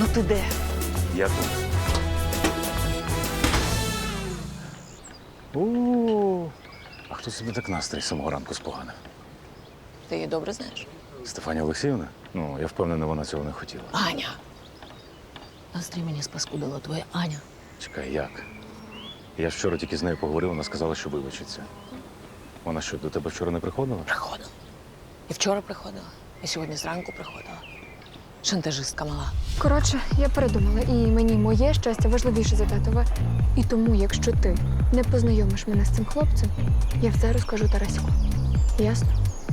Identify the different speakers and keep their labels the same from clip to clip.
Speaker 1: Ну ти де?
Speaker 2: Я тут. О, а хто собі так настрій з самого ранку споганив?
Speaker 1: Ти її добре знаєш?
Speaker 2: Стефанія Олексіївна? Ну, я впевнений, вона цього не хотіла.
Speaker 1: Аня. Настрій мені спаскудила твоя Аня.
Speaker 2: Чекай, як? Я ж вчора тільки з нею поговорив, вона сказала, що вибачиться. Вона що, до тебе вчора не приходила?
Speaker 1: Приходила. І вчора приходила, і сьогодні зранку приходила. Шантажистка мала.
Speaker 3: Коротше, я передумала, і мені моє щастя важливіше за татове. І тому, якщо ти не познайомиш мене з цим хлопцем, я все розкажу Тарасику. Ясно?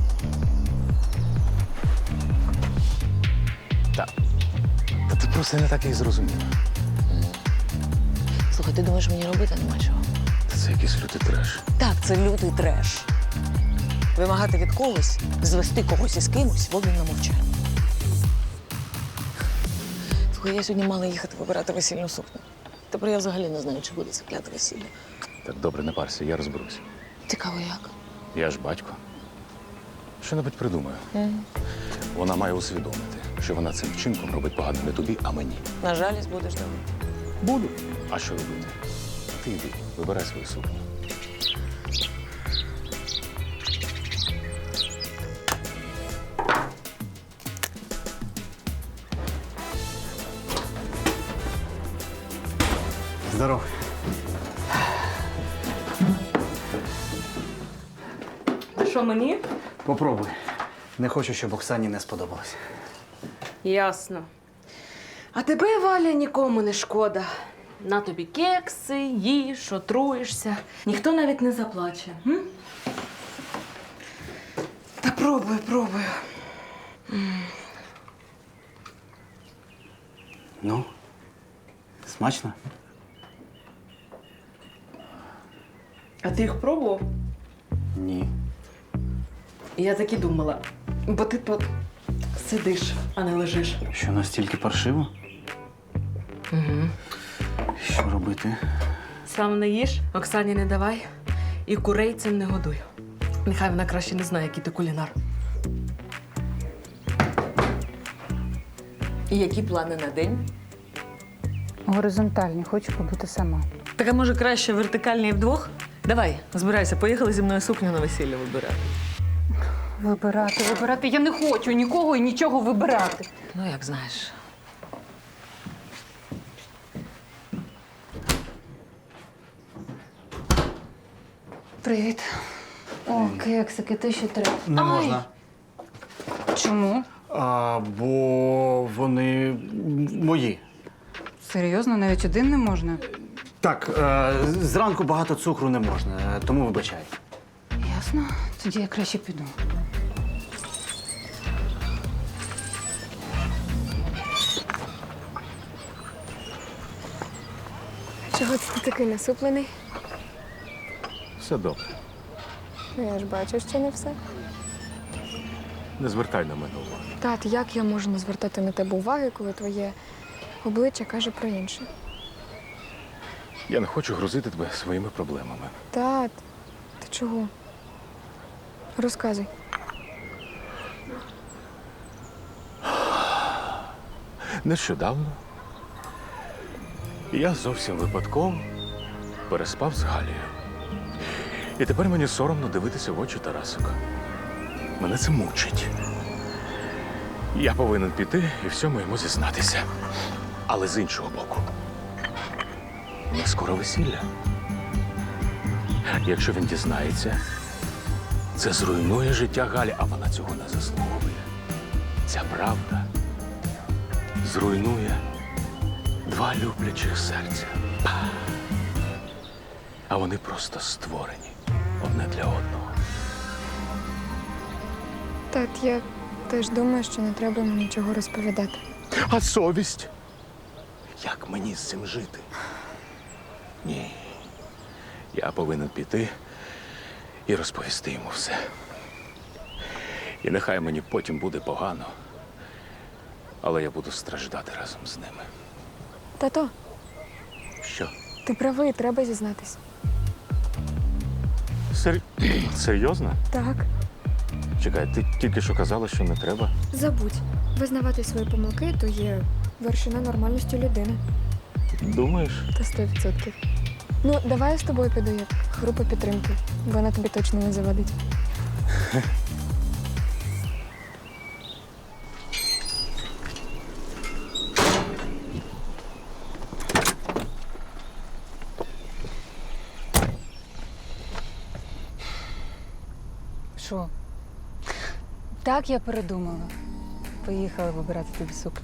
Speaker 2: Та ти просто не так і зрозуміла.
Speaker 1: Слухай, ти думаєш, мені робити нема чого?
Speaker 2: Та це якийсь лютий треш.
Speaker 1: Так, це лютий треш. Вимагати від когось, звести когось із кимось в обмін на мовчання. Слухай, я сьогодні мала їхати вибирати весільну сукню. Тепер я взагалі не знаю, чи буде це кляте весілля.
Speaker 2: Так, добре, не парся, я розберуся.
Speaker 1: Цікаво, як?
Speaker 2: Я ж батько. Що-небудь придумаю. Вона має усвідомити, що вона цим вчинком робить погано не тобі, а мені.
Speaker 1: На жалість будеш давати.
Speaker 2: Буду. А що робити? Ти йди, вибирай свою сукню.
Speaker 4: Здоров.
Speaker 5: Що мені?
Speaker 4: Попробуй. Не хочу, щоб Оксані не сподобалось.
Speaker 5: Ясно. А тебе, Валя, нікому не шкода. На тобі кекси, їж, отруєшся. Ніхто навіть не заплаче. М? Та пробую.
Speaker 4: Ну, смачно?
Speaker 5: А ти їх пробував?
Speaker 4: Ні.
Speaker 5: Я так і думала. Бо ти тут сидиш, а не лежиш.
Speaker 4: Що настільки паршиво?
Speaker 5: Угу.
Speaker 4: Що робити?
Speaker 5: Сам не їж, Оксані не давай. І курей цим не годуй. Нехай вона краще не знає, який ти кулінар. І які плани на день?
Speaker 6: Горизонтальні, хочу побути сама.
Speaker 5: Так, а може краще вертикальні і вдвох? Давай, збирайся, поїхали зі мною сукню на весілля вибирати.
Speaker 6: Вибирати. Я не хочу нікого і нічого вибирати.
Speaker 1: Ну, як знаєш.
Speaker 6: Привіт. О, кексики, ти ще треба.
Speaker 4: Не можна.
Speaker 6: Чому?
Speaker 4: Бо вони мої.
Speaker 6: Серйозно, навіть один не можна?
Speaker 4: Так, зранку багато цукру не можна, тому вибачай.
Speaker 6: Ясно. Тоді я краще піду.
Speaker 3: Чого це ти такий насуплений?
Speaker 2: Все добре.
Speaker 3: Ну, я ж бачу, що не все.
Speaker 2: Не звертай на мене увагу.
Speaker 3: Тат, як я можу не звертати на тебе уваги, коли твоє обличчя каже про інше?
Speaker 2: Я не хочу грузити тебе своїми проблемами.
Speaker 3: Тат, ти чого? Розказуй.
Speaker 2: Нещодавно я зовсім випадково переспав з Галією. І тепер мені соромно дивитися в очі Тарасика. Мене це мучить. Я повинен піти і всьому йому зізнатися. Але з іншого боку, у нас скоро весілля. Якщо він дізнається, це зруйнує життя Галі, а вона цього не заслуговує. Ця правда зруйнує два люблячих серця. А вони просто створені одне для одного.
Speaker 3: Тат, я теж думаю, що не треба мені нічого розповідати.
Speaker 2: А совість? Як мені з цим жити? Ні. Я повинен піти і розповісти йому все. І нехай мені потім буде погано, але я буду страждати разом з ними.
Speaker 3: Тато,
Speaker 2: Що?
Speaker 3: ти правий, треба зізнатись.
Speaker 2: Серйозно?
Speaker 3: Так.
Speaker 2: Чекай, ти тільки що казала, що не треба.
Speaker 3: Забудь. Визнавати свої помилки – то є вершина нормальності людини.
Speaker 2: Думаєш?
Speaker 3: Та 100%. Ну, давай я з тобою піду як група підтримки. Вона тобі точно не завадить.
Speaker 6: Що? Так, я передумала. Поїхала вибирати тобі сукню.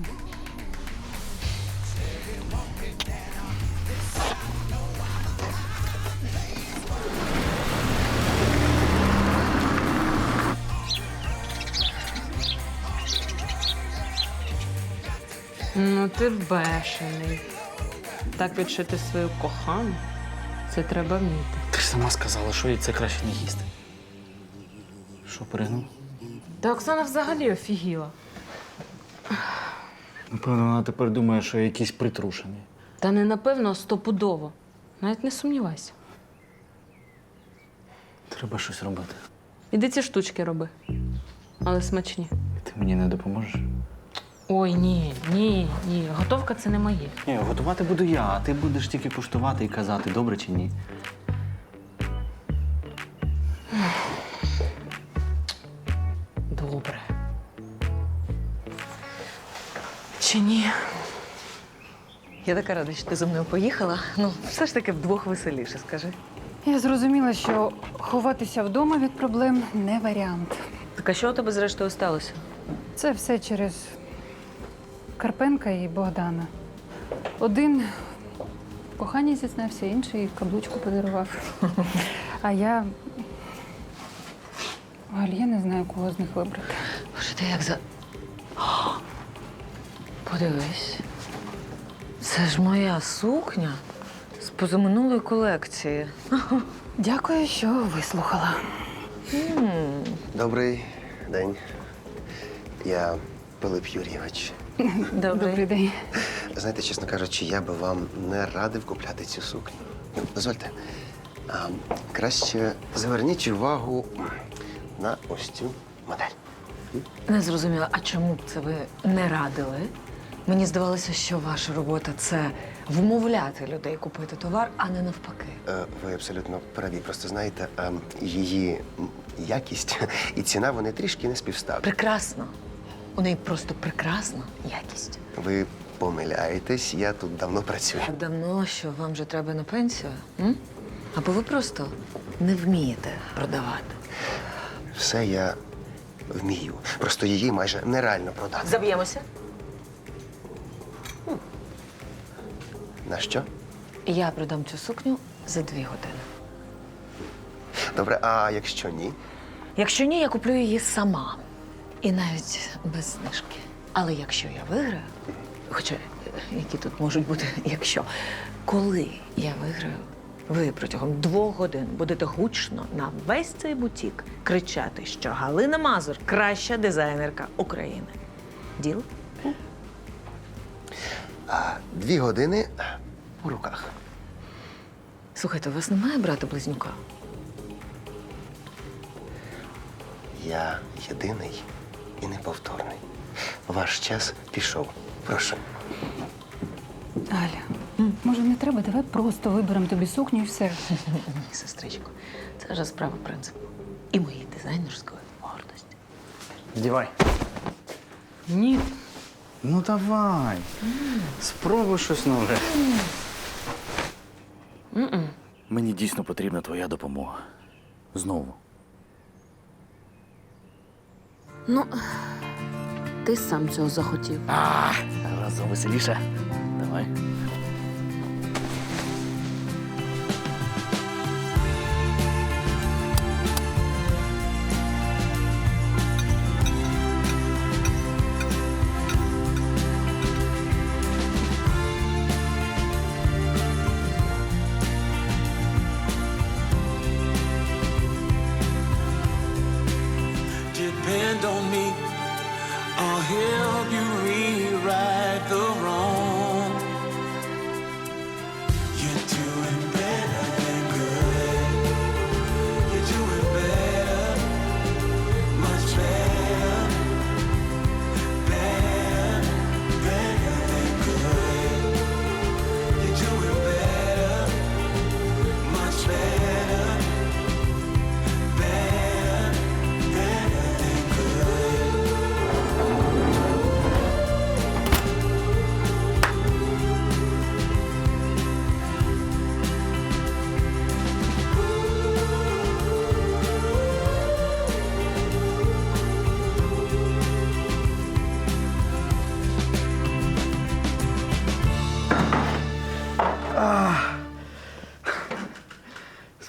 Speaker 5: Ну, ти бешений. Так відшити свою кохану, це треба вміти.
Speaker 4: Ти ж сама сказала, що їй це краще не їсти. Що, перегнув?
Speaker 5: Та Оксана взагалі офігіла.
Speaker 4: Напевно, вона тепер думає, що я якийсь притрушений.
Speaker 5: Та не напевно, а стопудово. Навіть не сумнівайся.
Speaker 4: Треба щось робити.
Speaker 5: Іди ці штучки роби. Але смачні.
Speaker 4: Ти мені не допоможеш?
Speaker 5: Ой, ні. Готовка це не моє.
Speaker 4: Ні, готувати буду я, а ти будеш тільки куштувати і казати, добре чи ні.
Speaker 5: Добре. Чи ні?
Speaker 1: Я така рада, що ти зі мною поїхала. Ну, все ж таки вдвох веселіше, скажи.
Speaker 6: Я зрозуміла, що ховатися вдома від проблем не варіант.
Speaker 1: Так а що у тебе зрештою сталося?
Speaker 6: Це все через Карпенка і Богдана. Один в коханні зізнався, інший каблучку подарував. А я не знаю, кого з них вибрати.
Speaker 1: Боже, ти як за. О, подивись. Це ж моя сукня з позаминулої колекції.
Speaker 6: Дякую, що вислухала.
Speaker 7: Добрий день. Я Пилип Юрійович.
Speaker 6: Добрий день.
Speaker 7: Знаєте, чесно кажучи, я би вам не радив купляти цю сукню. Ну, дозвольте. Краще зверніть увагу на ось цю модель.
Speaker 1: Не зрозуміла, а чому б це ви не радили? Мені здавалося, що ваша робота це вмовляти людей купити товар, а не навпаки.
Speaker 7: Ви абсолютно праві. Просто знаєте, її якість і ціна, вони трішки не співставні.
Speaker 1: Прекрасно. У неї просто прекрасна якість.
Speaker 7: Ви помиляєтесь, я тут давно працюю.
Speaker 1: Так давно, що вам вже треба на пенсію? М? Або ви просто не вмієте продавати.
Speaker 7: Все я вмію. Просто її майже нереально продати.
Speaker 1: Заб'ємося.
Speaker 7: На що?
Speaker 1: Я продам цю сукню за 2 години.
Speaker 7: Добре, а якщо ні?
Speaker 1: Якщо ні, я куплю її сама. І навіть без знижки. Але якщо я виграю, хоча які тут можуть бути, якщо, коли я виграю, ви протягом 2 годин будете гучно на весь цей бутік кричати, що Галина Мазур – краща дизайнерка України. Діл?
Speaker 7: 2 години у руках.
Speaker 1: Слухайте, у вас немає брата-близнюка?
Speaker 7: Я єдиний і неповторний. Ваш час пішов. Прошу.
Speaker 6: Аля, може не треба? Давай просто виберемо тобі сукню і все.
Speaker 1: Ні, сестричко, це вже справа принципу. І моєї дизайнерської гордості.
Speaker 4: Вдівай.
Speaker 5: Ні.
Speaker 4: Ну давай. Спробуй щось нове. Мені дійсно потрібна твоя допомога. Знову.
Speaker 5: Ну, ти сам цього захотів.
Speaker 4: Разом веселіше. Давай.
Speaker 8: Depend on me, I'll help you rewrite the wrong.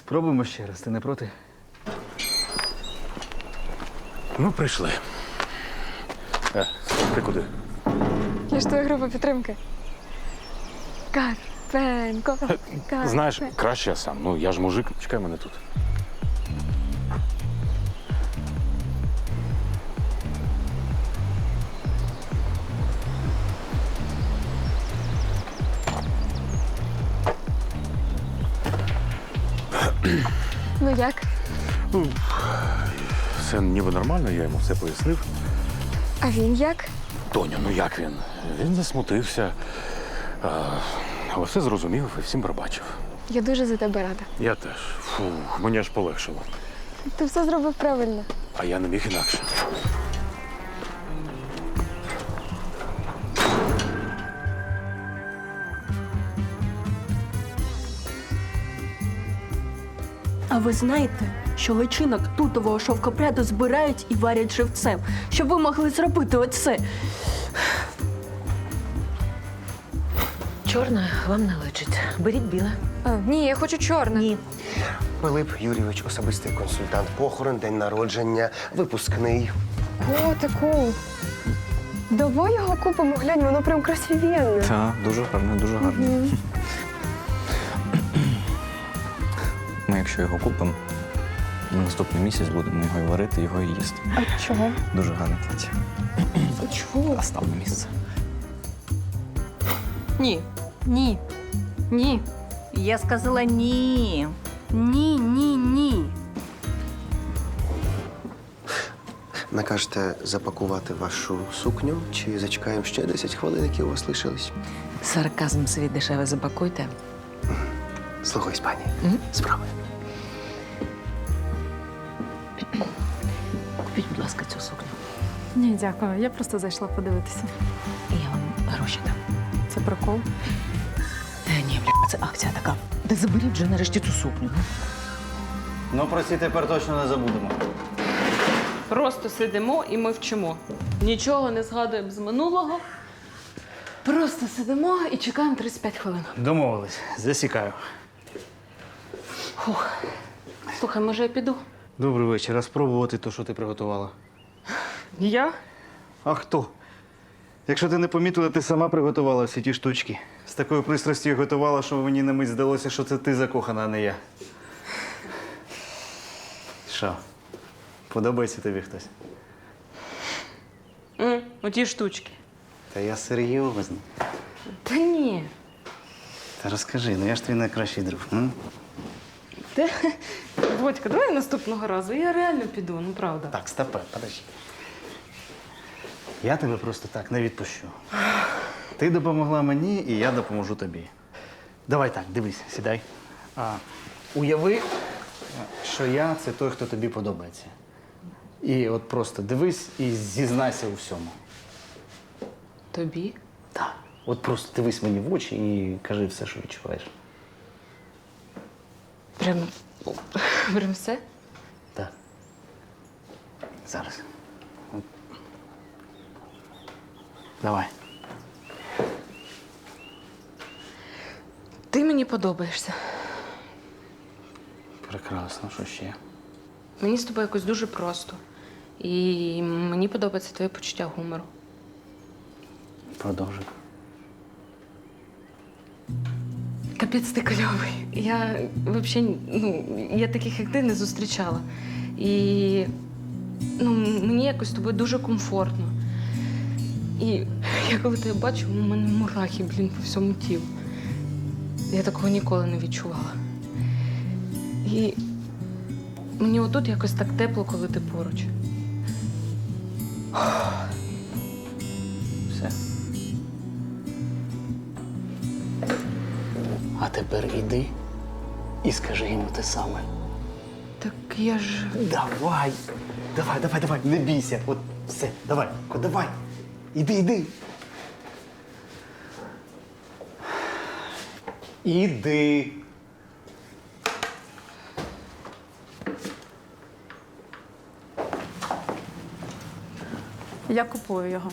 Speaker 4: Спробуємо ще раз, ти не проти?
Speaker 2: Ну, прийшли. Ти куди?
Speaker 3: Я ж твоя група підтримки. Карпенко.
Speaker 2: Знаєш, краще я сам. Ну, я ж мужик, чекай мене тут.
Speaker 3: Ну як?
Speaker 2: Все ніби нормально, я йому все пояснив.
Speaker 3: А він як?
Speaker 2: Тоню, ну як він? Він засмутився. Але все зрозумів і всім пробачив.
Speaker 3: Я дуже за тебе рада.
Speaker 2: Я теж. Фу, мені аж полегшило.
Speaker 3: Ти все зробив правильно.
Speaker 2: А я не міг інакше.
Speaker 8: А ви знаєте, що личинок тутового шовкопряду збирають і варять живцем, щоб ви могли зробити оце?
Speaker 1: Чорне вам не личить. Беріть біле.
Speaker 3: Ні, я хочу чорне.
Speaker 1: Ні.
Speaker 7: Пилип Юрійович, особистий консультант, похорон, день народження, випускний.
Speaker 3: Котику. Давай його купимо, глянь, воно прям красивенне.
Speaker 4: Так, дуже гарно, дуже гарно.
Speaker 9: Ми, якщо його купимо, на наступний місяць будемо його і варити, його і їсти.
Speaker 3: А чого?
Speaker 9: Дуже гарне плаття.
Speaker 3: Чого?
Speaker 9: А став на місце.
Speaker 8: Ні.
Speaker 6: Ні. Ні.
Speaker 10: Я сказала ні.
Speaker 8: Ні, ні, ні.
Speaker 7: Накажете запакувати вашу сукню чи зачекаємо ще 10 хвилин, які у вас лишились?
Speaker 1: Сарказм свій дешеве запакуйте.
Speaker 7: Слухаюсь, пані. Справи.
Speaker 1: Купіть, будь ласка, цю сукню.
Speaker 6: Ні, дякую. Я просто зайшла подивитися.
Speaker 1: І я вам гроші дам.
Speaker 6: Це прикол.
Speaker 1: Ні, бля, це акція така. Та заберіть вже нарешті цю сукню.
Speaker 4: Ну, про ці тепер точно не забудемо.
Speaker 5: Просто сидимо і ми вчимо. Нічого не згадуємо з минулого. Просто сидимо і чекаємо 35 хвилин.
Speaker 4: Домовились, засікаю.
Speaker 5: Слухай, може я піду?
Speaker 4: Добрий вечір, а спробувати то, що ти приготувала?
Speaker 5: Я?
Speaker 4: А хто? Якщо ти не помітила, ти сама приготувала всі ті штучки. З такою пристрастю готувала, що мені на мить здалося, що це ти закохана, а не я. Що? Подобається тобі хтось?
Speaker 5: Оті штучки.
Speaker 4: Та я серйозно.
Speaker 5: Та ні.
Speaker 4: Та розкажи, ну я ж твій найкращий друг. М?
Speaker 5: Бодька, давай наступного разу. Я реально піду, ну правда.
Speaker 4: Так, стопе, подожди. Я тебе просто так не відпущу. Ти допомогла мені, і я допоможу тобі. Давай так, дивись, сідай. Уяви, що я це той, хто тобі подобається. І от просто дивись і зізнайся у всьому.
Speaker 5: Тобі?
Speaker 4: Так. От просто дивись мені в очі і кажи все, що відчуваєш.
Speaker 5: Прям все?
Speaker 4: Так. Зараз. От. Давай.
Speaker 5: Ти мені подобаєшся.
Speaker 4: Прекрасно, що ще?
Speaker 5: Мені з тобою якось дуже просто. І мені подобається твоє почуття гумору.
Speaker 4: Продовжуй.
Speaker 5: Капець ти кльовий. Я взагалі, я таких, як ти, не зустрічала. І мені якось з тобою дуже комфортно. І я коли тебе бачу, у мене мурахи, по всьому тілу. Я такого ніколи не відчувала. І мені отут якось так тепло, коли ти поруч.
Speaker 4: Все. А тепер іди і скажи йому те саме.
Speaker 5: Так я ж.
Speaker 4: Давай! Давай, не бійся. От все, давай, давай. Іди. Іди.
Speaker 6: Я купую його.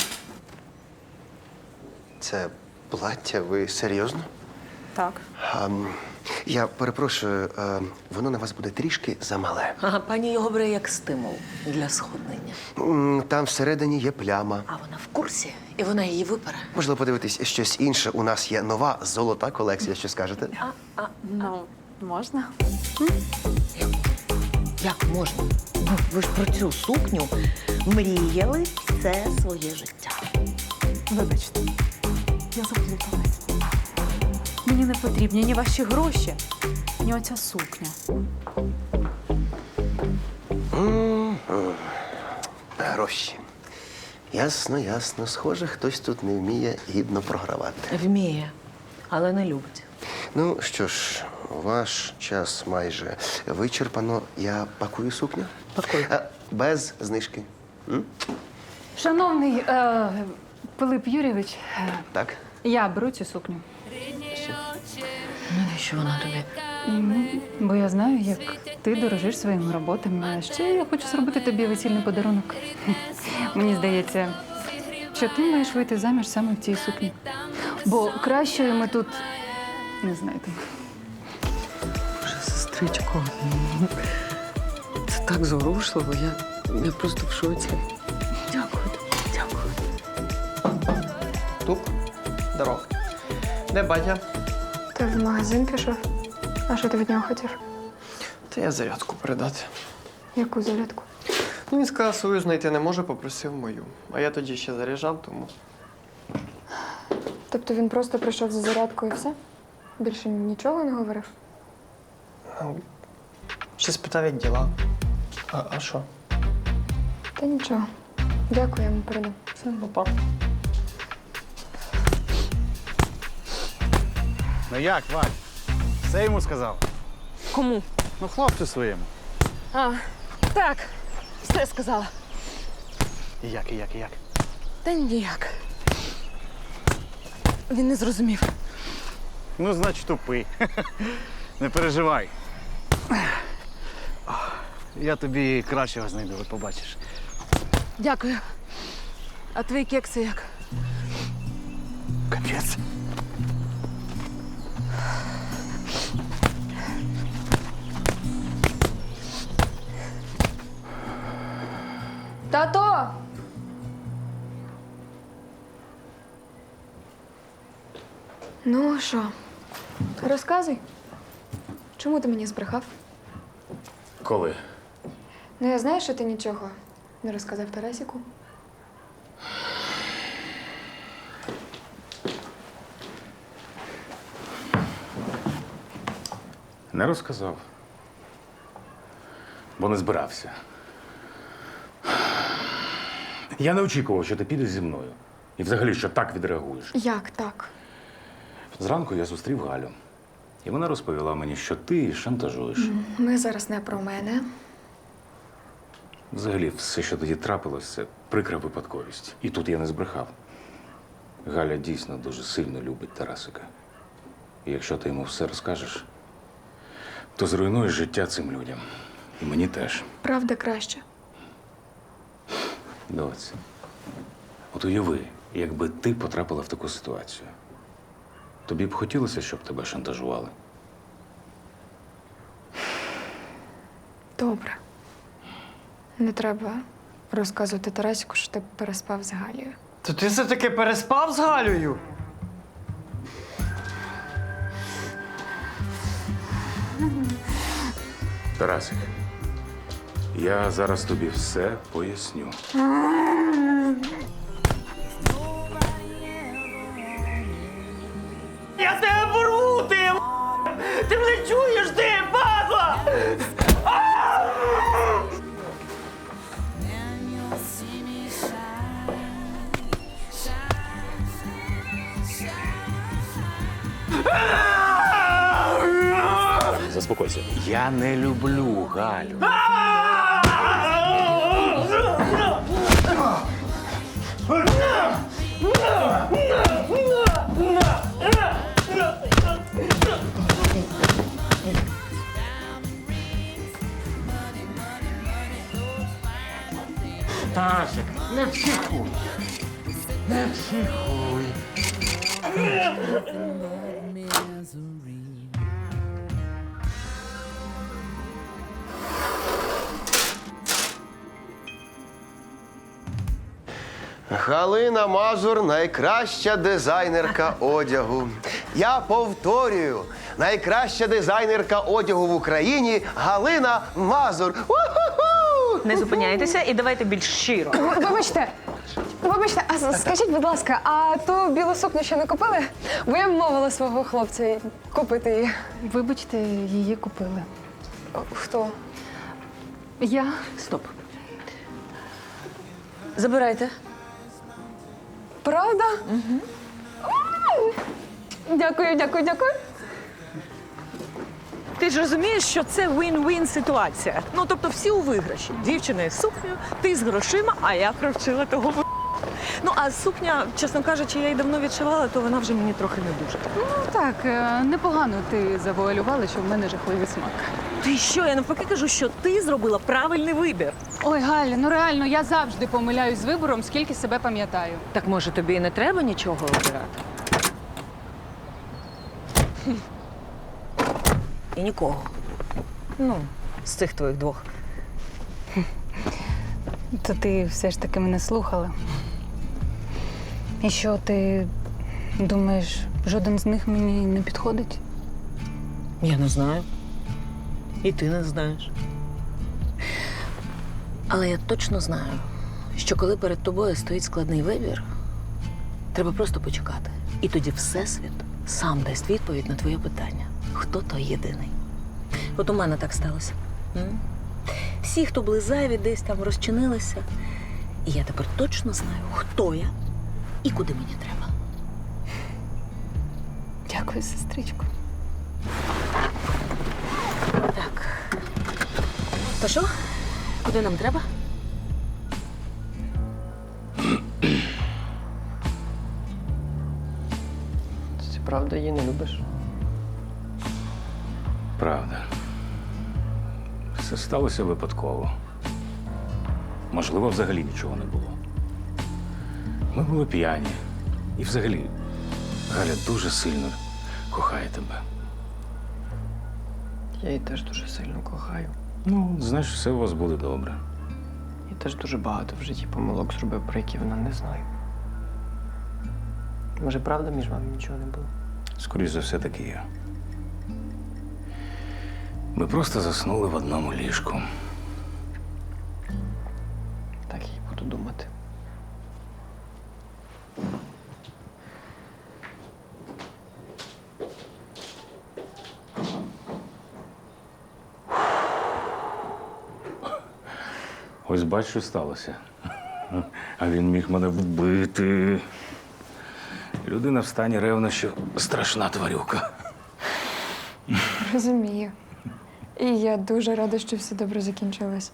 Speaker 7: Це плаття, ви серйозно?
Speaker 6: Так.
Speaker 7: Я перепрошую, воно на вас буде трішки замале.
Speaker 1: Ага, пані його бере як стимул для сходнення.
Speaker 7: Там всередині є пляма.
Speaker 1: А вона в курсі, і вона її випере.
Speaker 7: Можливо, подивитись щось інше. У нас є нова золота колекція. Що скажете?
Speaker 3: Ну, можна?
Speaker 1: Як можна? Ви ж про цю сукню мріяли все своє життя.
Speaker 11: Вибачте, я заплуталась. Мені не потрібні ні ваші гроші, ні оця сукня.
Speaker 7: Гроші. Ясно, ясно. Схоже, хтось тут не вміє гідно програвати.
Speaker 1: Вміє, але не любить.
Speaker 7: Ну що ж, ваш час майже вичерпано. Я пакую сукню.
Speaker 1: Пакуй.
Speaker 7: Без знижки.
Speaker 6: Шановний Пилип Юрійович,
Speaker 7: Так?
Speaker 6: я беру цю сукню.
Speaker 1: Навіщо вона тобі?
Speaker 6: Бо я знаю, як ти дорожиш своїми роботами. А ще я хочу зробити тобі весільний подарунок. Мені здається, що ти маєш вийти заміж саме в цій сукні. Бо кращої ми тут не знайдемо.
Speaker 1: Боже, сестричко, це так зворушливо. Я просто в шоці. Дякую тобі, дякую.
Speaker 12: Туп, здорово. Де батя?
Speaker 3: Ти в магазин пішов? А що ти від нього хотів?
Speaker 12: Та я зарядку передати.
Speaker 3: Яку зарядку?
Speaker 12: Ну, він сказав, свою знайти не може, попросив мою. А я тоді ще заряджав, тому.
Speaker 3: Тобто він просто прийшов за зарядкою і все? Більше нічого не говорив?
Speaker 12: Ще спитав, як діла. А що?
Speaker 3: Та нічого. Дякую, я йому передам.
Speaker 12: Все, папа.
Speaker 4: Ну як, Валь? Все йому сказав?
Speaker 5: Кому?
Speaker 4: Ну, хлопцю своєму.
Speaker 5: А, так, все сказала.
Speaker 4: І як?
Speaker 5: Та ніяк. Він не зрозумів.
Speaker 4: Ну, значить, тупий. Не переживай. Я тобі кращого знайду, от побачиш.
Speaker 5: Дякую. А твої кекси як?
Speaker 4: Капець.
Speaker 3: Тато! Ну, що? Розказуй. Чому ти мені збрехав?
Speaker 2: Коли?
Speaker 3: Ну, я знаю, що ти нічого не розказав Тарасіку.
Speaker 2: Не розказав. Бо не збирався. Я не очікував, що ти підеш зі мною. І взагалі, що так відреагуєш.
Speaker 3: Як так?
Speaker 2: Зранку я зустрів Галю. І вона розповіла мені, що ти її шантажуєш.
Speaker 3: Ми зараз не про мене.
Speaker 2: Взагалі, все, що тоді трапилось, це прикра випадковість. І тут я не збрехав. Галя дійсно дуже сильно любить Тарасика. І якщо ти йому все розкажеш, то зруйнуєш життя цим людям. І мені теж.
Speaker 3: Правда краще.
Speaker 2: Доць, от уяви, якби ти потрапила в таку ситуацію. Тобі б хотілося, щоб тебе шантажували?
Speaker 3: Добре. Не треба розказувати Тарасіку, що ти переспав з Галією.
Speaker 12: То ти все-таки переспав з Галею?
Speaker 2: Тарасик, я зараз тобі все поясню.
Speaker 12: Я тебе порву, ти! Ти мене чуєш, ти, падла!
Speaker 2: Заспокойся. Я не люблю Галю.
Speaker 4: Тарасик, не психуй. Не психуй.
Speaker 7: Галина Мазур найкраща дизайнерка одягу. Я повторюю, найкраща дизайнерка одягу в Україні Галина Мазур. У-ху-ху!
Speaker 1: Не зупиняйтеся і давайте більш щиро.
Speaker 3: Вибачте, а скажіть, будь ласка, а ту білу сукню ще не купили? Бо я вмовила свого хлопця купити її.
Speaker 6: Вибачте, її купили.
Speaker 3: Хто?
Speaker 6: Я.
Speaker 1: Стоп. Забирайте.
Speaker 3: Правда? Угу. Дякую, дякую, дякую.
Speaker 13: Ти ж розумієш, що це win-win ситуація. Ну, тобто всі у виграші. Дівчина із сукнею, ти з грошима, а я провчила того. Ну, а сукня, чесно кажучи, я її давно відшивала, то вона вже мені трохи не дуже.
Speaker 6: Ну так, непогано ти завуалювала, що в мене жахливий смак.
Speaker 13: Ти що? Я навпаки кажу, що ти зробила правильний вибір.
Speaker 6: Ой, Галя, ну реально, я завжди помиляюсь з вибором, скільки себе пам'ятаю.
Speaker 1: Так може тобі і не треба нічого обирати? І нікого. Ну, з цих твоїх двох.
Speaker 6: То ти все ж таки мене слухала. І що, ти думаєш, жоден з них мені не підходить?
Speaker 1: Я не знаю. І ти не знаєш. Але я точно знаю, що коли перед тобою стоїть складний вибір, треба просто почекати. І тоді Всесвіт сам дасть відповідь на твоє питання. Хто той єдиний? От у мене так сталося. Всі, хто були зайві, десь там розчинилися. І я тепер точно знаю, хто я і куди мені треба.
Speaker 6: Дякую, сестричко.
Speaker 1: Так. То що? Куди нам треба?
Speaker 12: Це правда її не любиш?
Speaker 2: Правда. Все сталося випадково. Можливо, взагалі нічого не було. Ми були п'яні. І взагалі, Галя дуже сильно кохає тебе.
Speaker 12: Я її теж дуже сильно кохаю.
Speaker 2: Ну, знаєш, все у вас буде добре.
Speaker 12: Я теж дуже багато в житті помилок зробив, про які вона не знає. Може, правда, між вами нічого не було?
Speaker 2: Скоріше за все, таки є. Ми просто заснули в одному ліжку.
Speaker 12: Так я й буду думати.
Speaker 2: Ось бач, що сталося. А він міг мене вбити. Людина в стані ревнощів – страшна тварюка.
Speaker 3: Розумію. І я дуже рада, що все добре закінчилось.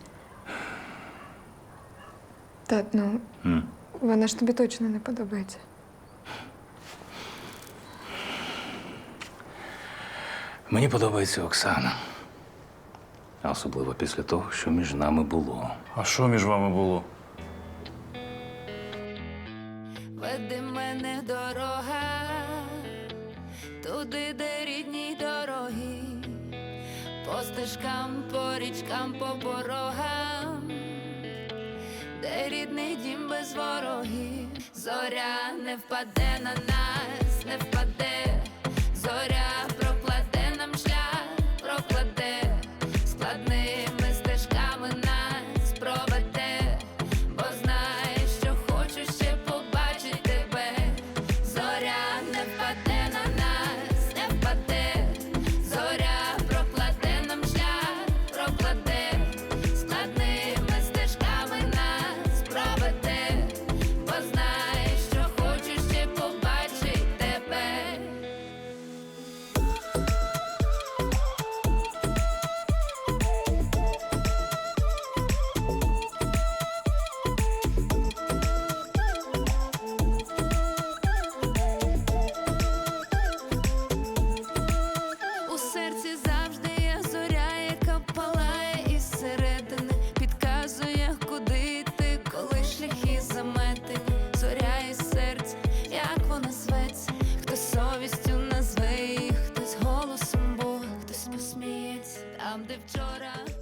Speaker 3: Тат, ну, вона ж тобі точно не подобається.
Speaker 2: Мені подобається Оксана. А особливо після того, що між нами було.
Speaker 4: А що між вами було?
Speaker 14: Веди мене дорога, туди, де рідні дороги, по стежкам, по річкам, по порогам, де рідний дім без ворогів. Зоря не впаде на нас, не впаде, зоря прокладе нам шлях, прокладе, складними стежками нас проведе, бо знає, що хочу ще побачити тебе. Зоря не впаде на нас, не впаде, зоря прокладе нам шлях, прокладе, складними стежками нас проведе, бо знає, що хочу ще побачити тебе. У серці завжди є зоря, яка палає із середини, підказує, куди йти, коли шляхи заметені. Зоря із серця, як вона зветься, хтось совістю назве її, хтось голосом Бога, хтось посміється там, де вчора